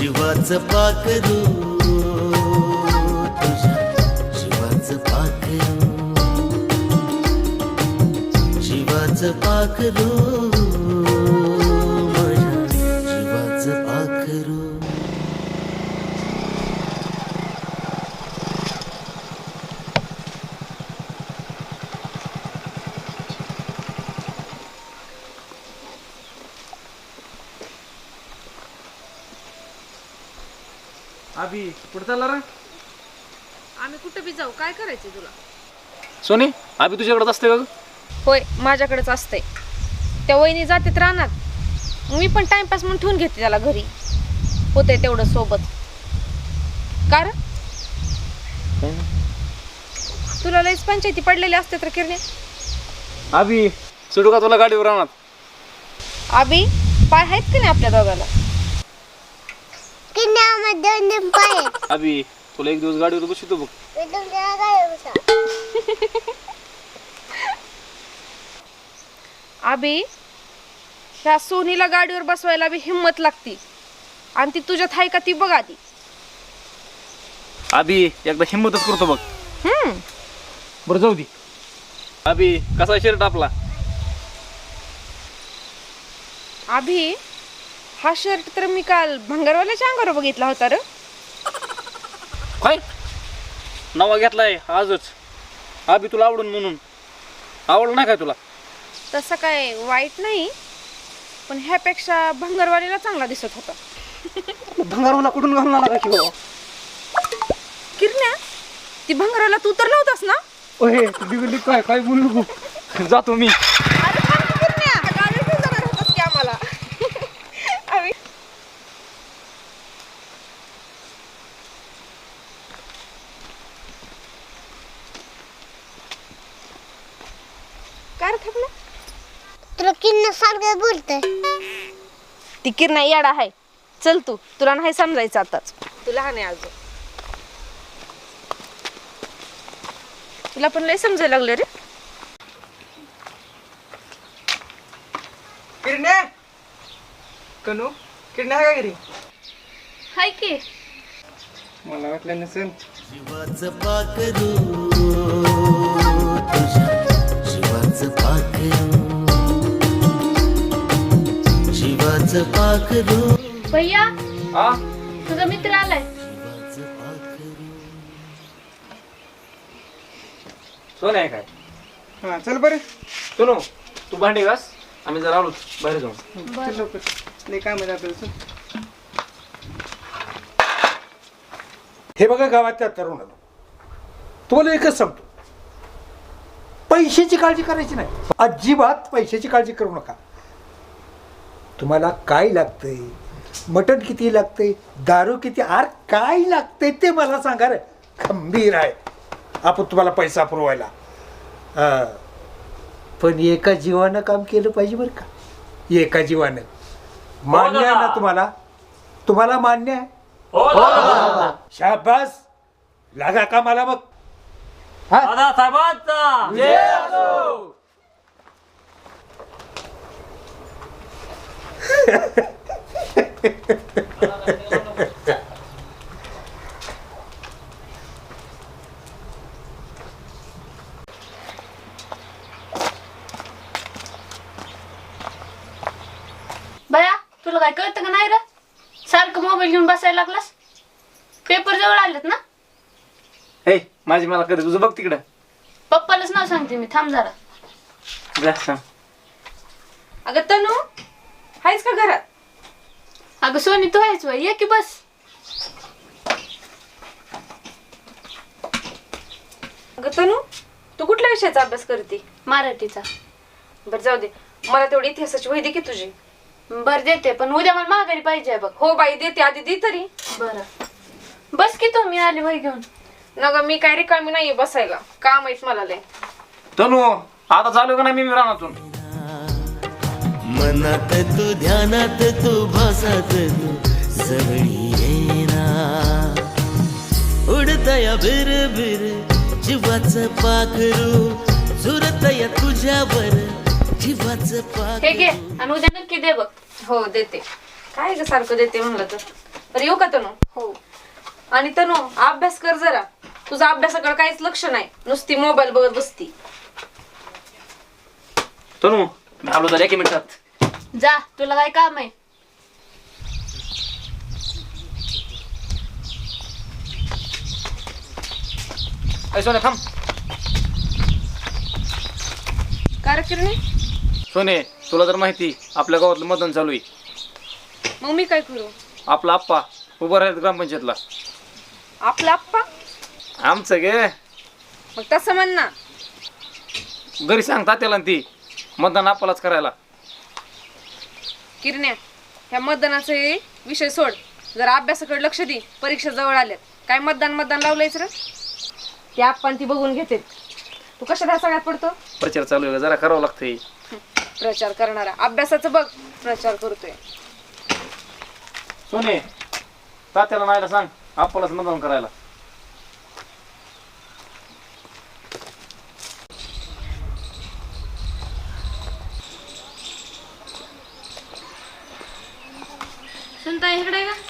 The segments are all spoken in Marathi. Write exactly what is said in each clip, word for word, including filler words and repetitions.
जीवाचं पाखरू तुझ्या जीवाचं पाखरू जीवाचं पाखरू माझ्या जीवाचं पाखरू. अभि कुठं चालला रे? आम्ही कुठं बी जाऊ, काय करायचं तुला? सोनी अभि तुझ्याकडेच असते का? होय, माझ्याकडेच असते. त्या वहिनी जातात रानात, मी पण टाइमपास म्हणून ठेवून घेते त्याला घरी, होते तेवढं सोबत. कार तुला लईच पंचायती पडलेली असते तर किरणे. अभि सोडू का तुला गाडीवर राहणार? अभि पाय आहेत की नाही आपल्या दोघाला? अभि तुला एक दिवस गाडीवर बसवतो बघ. अभि ह्या सोनीला गाडीवर बसवायला बी हिम्मत लागती, आणि ती तुझ्यात आहे का ती बघ आधी. अभि एकदा हिम्मतच करतो बघ. हम्म बरं जाऊ दे. अभि कसा शर्ट आपला? अभि हा शर्ट तर मी काल भंगारवाल्याच्या अंगावर बघितला होता र. काय नवा घेतलाय आजच? अभि तुला आवडून म्हणून. आवडलं नाही काय तुला? तसं काय वाईट नाही, पण ह्यापेक्षा भंगारवाल्याला चांगला दिसत होता. भंगारवाला कुठून घालून आला की बाबा? किरण्या, ती भंगारवाला तू तर नव्हतास ना? ओहे तू बिघडली काय? काय बोलू नको, जातो मी. अरे थांब की किरण्या, गाडी घेऊन जाणार होतास की आम्हाला. अभि काय रे थांबला? तुला किन्न सारखं बोलतय. ती किरण्या याडा आहे. चल तू, तुला नाही समजायचं आताच, तू लहान आहे अजून. तुला पण लय समजायला लागले रे. किरण्या कनू किरण्या आहे का घरी? हाय की. मला वाटलं नसेल. जीवाचं पाखरू तुझ्या जीवाचं पाखरू जीवाचं पाखरू भैया, हा तुझा मित्र आलाय. जीवाचं पाखरू. सोन आहे काय? हा चल बरं. सोनू तू भांडी घास, आम्ही जरा आलो बाहेर जाऊन. चल लवकर, लय काम आहे आपल्याला. चल. हे बघा गावातल्या तरुणाला तुम्हाला एकच सांगतो, पैशाची काळजी करायची नाही, अजिबात पैशाची काळजी करू नका. तुम्हाला काय लागतंय, मटण किती लागतंय, दारू किती, आर काय लागतंय ते मला सांगा रे. खंबीर आहे आपण तुम्हाला पैसा पुरवायला. हा पण एका जीवानं काम केलं पाहिजे बरं का. एका जीवानं मान्य आहे ना तुम्हाला? तुम्हाला मान्य आहे? शाबास, लागा का मला मग. बया, तुला काय कळतं का नाही रे? सारखं मोबाईल घेऊन बसायला लागलास. पेपर जवळ आलेत ना? हे माझी मला कधी तुझं बघ तिकडं. पप्पालाच नाव सांगते मी, थांब जरा. जा सांग. अगं तनू, आहेस का घरात? अगं सोनी तू आहेस वय, ये की बस. अगं तनू, तू कुठल्या विषयाचा अभ्यास करते? मराठीचा. बरं जाऊ दे, मला तेवढी इतिहासाची वही दे की तुझी. बर देते, पण उद्या मला माघारी पाहिजे बघ. हो बाई देते, आधी दे तरी. बरं बस की तू, मी आली वही घेऊन. न ग मी काय रिकामी नाहीये बसायला, काम आहेत मला लय. तनू आता चालू का नाही मी रानातून? मनात तू ध्यानात तू भासात तू जवळी येना उडतया बिर बिर जीवाचं पाखरू झुरतया तुझ्यावर जीवाचं हे घे पाखरू. आणि उद्या नक्की दे बघ. हो देते. काय ग सारखं देते म्हणलं तर. तर येऊ का तनू? हो. आणि तनू अभ्यास कर जरा. तुझा अभ्यासाकडे काहीच लक्ष नाही, नुसती मोबाईल बघत बसती. तनू मी आलो तर एक मिनिटात. जा, तुला काय काम आहे? ऐ सोने थांब. काय रे किरणे? सोने तुला तर माहिती आपल्या गावातलं मतदान चालू आहे. मग मी काय करू? आपला आप्पा उभं राहिलं ग्रामपंचायतला. आपला आप्पा? आमचं गे. मग तसं म्हण ना. घरी सांग तात्याला आणि ती मतदान आप्पालाच करायला. किरण्या, ह्या मतदानाचे विषय सोड, जरा अभ्यासाकडे लक्ष दे. परीक्षा जवळ आल्यात. काय मतदान मतदान लावलंयच रे? ते आपण ती बघून घेते. तू कशाला सगळ्यात पडतो? प्रचार चालू आहे जरा करावं लागतंय. प्रचार करणारा अभ्यासाचं बघ, प्रचार करतोय. सोने तात्याला नाहीला सांग आप्पालाच मतदान करायला. सुनता इकडे का?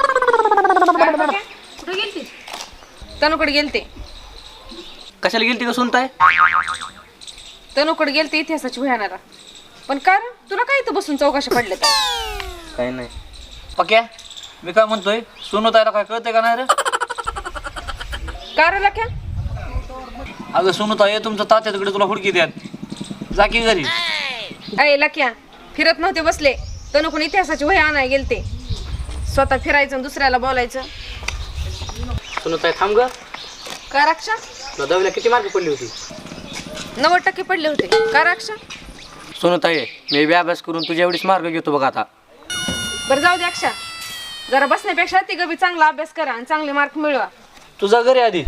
कुठे गेलती? तनुकडे गेलते. कशाला गेलती का सुनताय? तनुकडे गेलते इतिहासाची भयानाला. पण का रे? तुला काय इथं बसून चौकशा पडल्या? काही नाही. पक्या मी काय म्हणतोय, सुनतायला काय कळतंय का नाही रे? का रे लक्या? अगं सुनताय तुमचं तात्या तिकडे तुला हुडकी द्यात. जा की घरी. अय लक्या, फिरत नव्हते बसले. तनुकडून इतिहासाची वही आणाय गेलते. स्वतः फिरायचं आणि दुसऱ्याला बोलायचं. सुनताय थांब ग. का राक्षा? तुला दहावीला किती मार्क पडली होती? नव्वद टक्के पडले होते. का राक्षा? सुनताय मी बी अभ्यास करून तुझ्या एवढीच मार्क घेतो बघ आता. बरं जाऊ दे अक्षा, जरा बसण्यापेक्षा ती गबी चांगला अभ्यास करा आणि चांगले मार्क मिळवा. तुझा घरी आधी.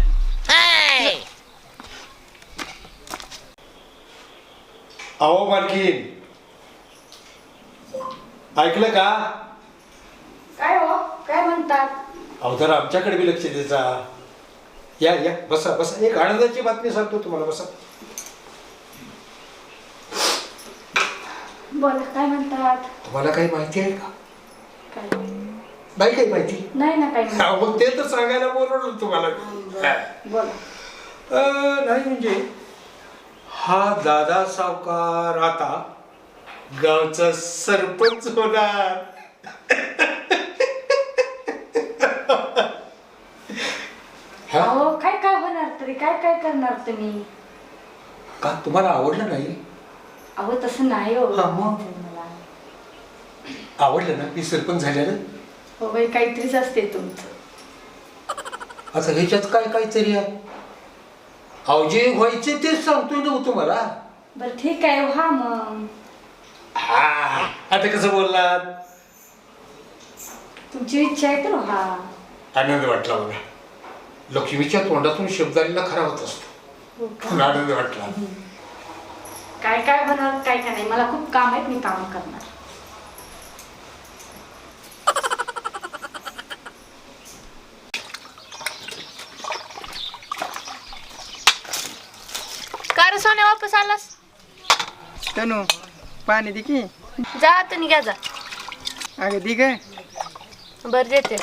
अहो मालकीन, ऐकलं का? काय हो? काय म्हणतात? अहो जरा आमच्याकडे बी लक्ष द्यायचा. या या बसा बसा. एक आनंदाची बातमी सांगतो तुम्हाला. बसा. बोला, काय म्हणतात? तुम्हाला काही माहिती आहे का? काय? नाही काही माहिती? नाही ना काय म्हणतात. अहो, मग ते तर सांगायला बोलवलं तुम्हाला. बोला. अं, नाही म्हणजे हा दादा सावकार आता गावचा सरपंच होणार. हा? अहो काय काय होणार तरी? काय काय करणार तुम्ही? का तुम्हाला आवडलं नाही? अहो तसं नाही हो. हा, मग? मला आवडलं ना मी सरपंच झाल्यानं? हो बाई, काहीतरीच असते तुमचं. आता ह्याच्यात काय काहीतरी आहे? अहो जे व्हायचे तेच सांगतोय ना तुम्हाला. बरं ठीक आहे, हा मग हा आता कसं बोललात? तुमची इच्छा आहे तर हा. आनंद वाटला बघा. लक्ष्मीच्या तोंडातून शब्द आलेला खरा होत असतो. हो का? पण आनंद वाटला. काय काय होणार काय काय नाही, मला खूप काम आहेत, मी काम करणार. का रे सोन्या वापस आलास? तनू पाणी दे की. जा आता निघा जा. अगं दे काय? बरं देते.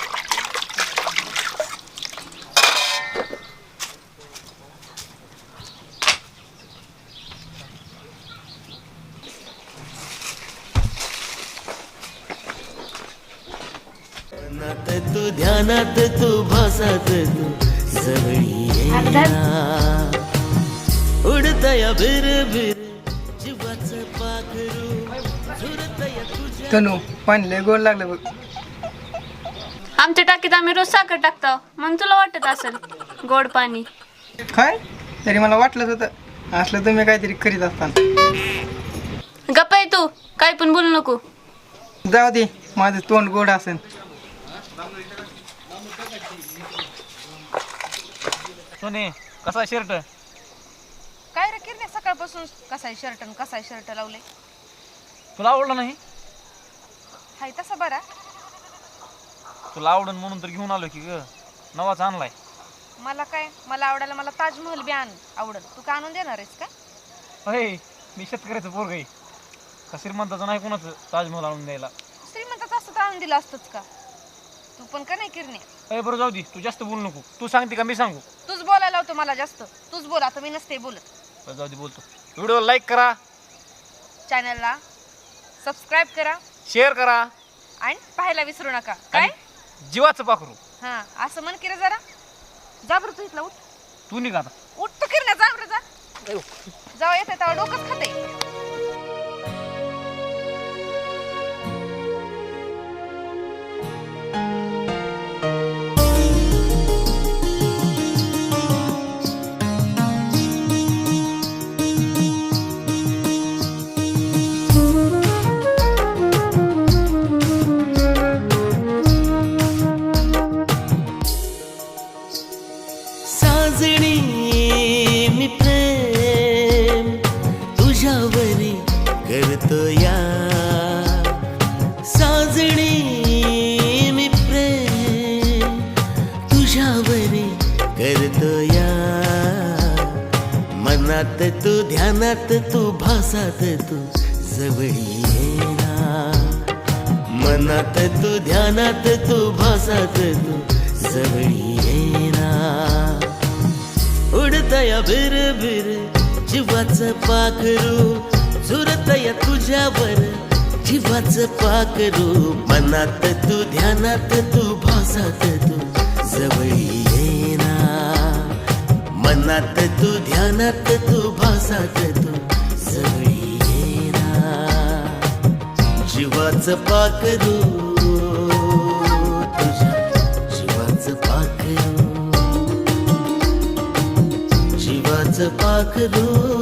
ध्यानात तू ध्यानात तू भासात तू जवळी येईना. उडतया बिर बिर जीवाचं पाखरू झुरतया तुझ्या. तनू पाणी लय गोड लागलं बघ. आमच्या टाकीत आम्ही रोज साखर टाकतो, मग तुला वाटत असेल गोड पाणी. काय? तरी मला वाटलंच होतं असलं तुम्ही काहीतरी करीत असताना. गप्प आहे तू, काय पण बोलू नको. जाऊ दे, माझं तोंड गोड असेल. सोने कसा शर्ट? काय रे किरणे, सकाळपासून कसाय शर्ट आणि कसाय शर्ट लावले? तुला आवडलं नाही? हाय तसा बरा. तुला आवडन म्हणून तर घेऊन आलो की ग. नवाच आणलाय. मला काय, मला आवडायला मला ताजमहल बी आण आवडत. तू का आणून देणार आहेस का? अरे मी शेतकऱ्याचं पोरग आहे. का श्रीमंताचं नाही कोणाचं ताजमहल आणून द्यायला. श्रीमंताचं असतं तर आणून दिलं असतंच का? तू पण का नाही किरणे ए बरं जाऊ दे, तू जास्त बोलू नको. तू सांगते का मी सांगू? तूच बोलायला होतो मला जास्त. तूच बोल, आता मी नसते बोलत. बरं जाऊ दे, बोलतो. व्हिडिओ लाईक करा, चॅनलला सबस्क्राईब करा शेअर करा आणि पाहायला विसरू नका. काय आणि जीवाचं पाखरू. हा असं म्हण की रे जरा. जा बरं तू इथला उठ. तू निघ आता. उठ तू किरण्या, जा बरं जा. जाऊ येते तेव्हा डोकंच खाते. साजणी मी प्रेम तुझ्यावरी करतो या. साजणी मी प्रेम तुझ्यावरी करतो या. मनात तू ध्यानात तू भासात तू जवळी येणार. मनात तू ध्यानात तू भासात तू जवळी येणार. उडतया बिर बिर जीवाचं पाखरू. झुरतया तुझ्यावर जीवाचं पाखरू. मनात तू ध्यानात तू भासात तू जवळी येणार. मनात तू ध्यानात तू भासात तू जवळी येणार. जीवाचं पाखरू, तुझ्या जीवाचं पाखरू. जीवाचं पाखरू.